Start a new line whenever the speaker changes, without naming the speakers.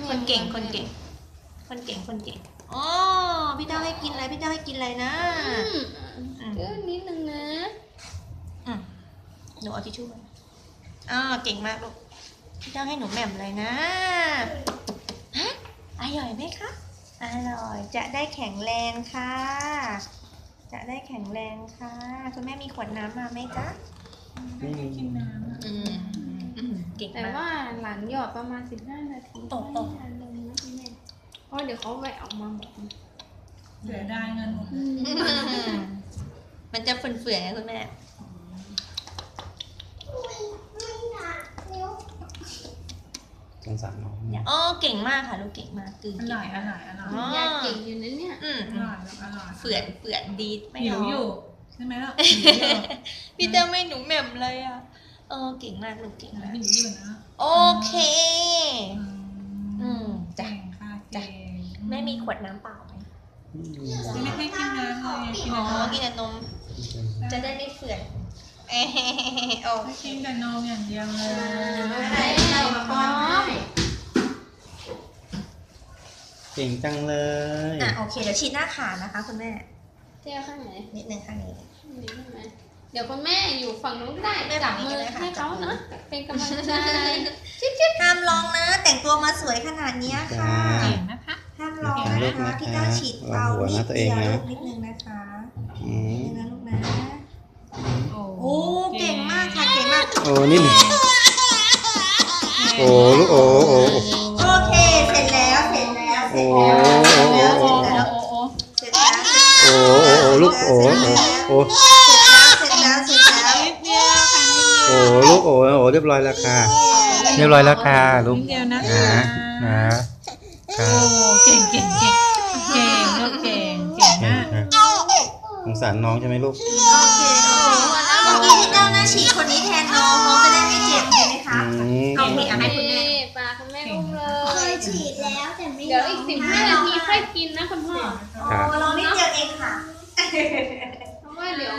คนเก่งคนเก่งคนเก่งคนเก่งอ๋อพี่เจ้าให้กินอะไรพี่เจ้าให้กินอะไรนะ
เออนิดนึงนะ
หนูเอาทิชชู่มาเก่งมากลูกพี่เจ้าให้หนูแหม่มเลยนะฮะอร่อยไหมคะอร่อยจะได้แข็งแรงค่ะจะได้แข็งแรงค่ะคุณแม่มีขวดน้ำมาไหมจ๊ะ
ไม่มีกินน้
เก่ง
แต่
มาก
ว่าหลังหยอดประมาณ15 นาที
ตก
อันนึงนะคุณแม่เพราะเดี๋ยวเขาแหวะออกมาหมด
เสียดายเงินหมดเลย
มันจะเฟื่อนๆนะคุณแม่
สงสารน้องเนี่ย
อ๋อเก่งมากค่ะลูกเก่งมากคือ
อร่อยอร่อยอร่อย
อยากเก่งอยู่นะเนี่ย
อร่อยอร่อย
เฟื่อนดีไม่
หิว
ร้
อยู่ใช่ไหมล่ะหิวอยู่
พี่เต้ไม่หนูแหม่มเลยอ่ะเก่งมากลูกเก่งมาก
หิวอยู่นะ
โอเคจ้ะ
เก่งค่ะเก่ง
แม่มีขวดน้ำเปล่าไหม
ไม่ให้กินน้ำเลยกิน
อ๋อ
น้ำ
กินแต่นมจะได้ไม่เฟื่อนโอ
ให้
เค
กินแต่นมอย่างเดียวเลย
ป๊อป
เก่งจังเลย
โอเคเดี๋ยวฉีดหน้าขานะคะคุณแม่
เที่ยวข้างไหน
นิดนึงข้างนี้
นี่ใช่ไหมเดี๋ยวคุณแม่อยู่ฝั่งนู้นได้
แม่
จั
ฝั่
บ
งนี้
มื
ก็
อ
ได้ค่ะ
ให้เขานะเป็นกำลังใจ
ห้ามลองนะ แต่งตัวมาสวยขนาดนี้ค่ะ
เก่งนะคะ
ห้ามลองนะคะพี่ก้าวฉีดเบานิดเดียวลูกนิดนึงนะคะ
อืม
นิดนึงนะลูกนะโอ้เก่งมากค่ะเก่งมาก
โอ้นี่หนึ่งโอ้ลูกโอ้โอ้
โอเคเสร็จแล้วเสร็จแล้วเสร็จ
โอ้
แล้ว
โอ้
เสร็จแล้วเสร็จแล้ว
โอ้โอ้ลูกโอ้โอ้
เสร็จแล้วเสร็จแล้ว
นิดเดียวค่ะนิดเดียว
โอ้ลูกโอ้โอ้เรียบร้อยแล้วค่ะเรียบร้อยแล้วค่ะลูก
นิดเดียวนะ
นะครั
โอ้
บ
เก่งเก่งเก่งเก่งลูกเก่งเก่งมาก
สงสารน้องใช่ไหมลูก
โอเคเมื่อกี้พี่ก้าวน่าฉีดคนนี้แทนน้องจะได้ไม่เจ็บใช่ไหมคะ โอเคให้คุณแม่
ปลาคุณแม่อุ้มเล
เค
ย
ยฉีดแล้วแต่ไม่
เดี๋ยวอีก15 นาทีค่อยกินนะคุณพ่อ
ครับ
ลองนิดเดียวเองค่ะ
เพราะว่าเดี๋ยว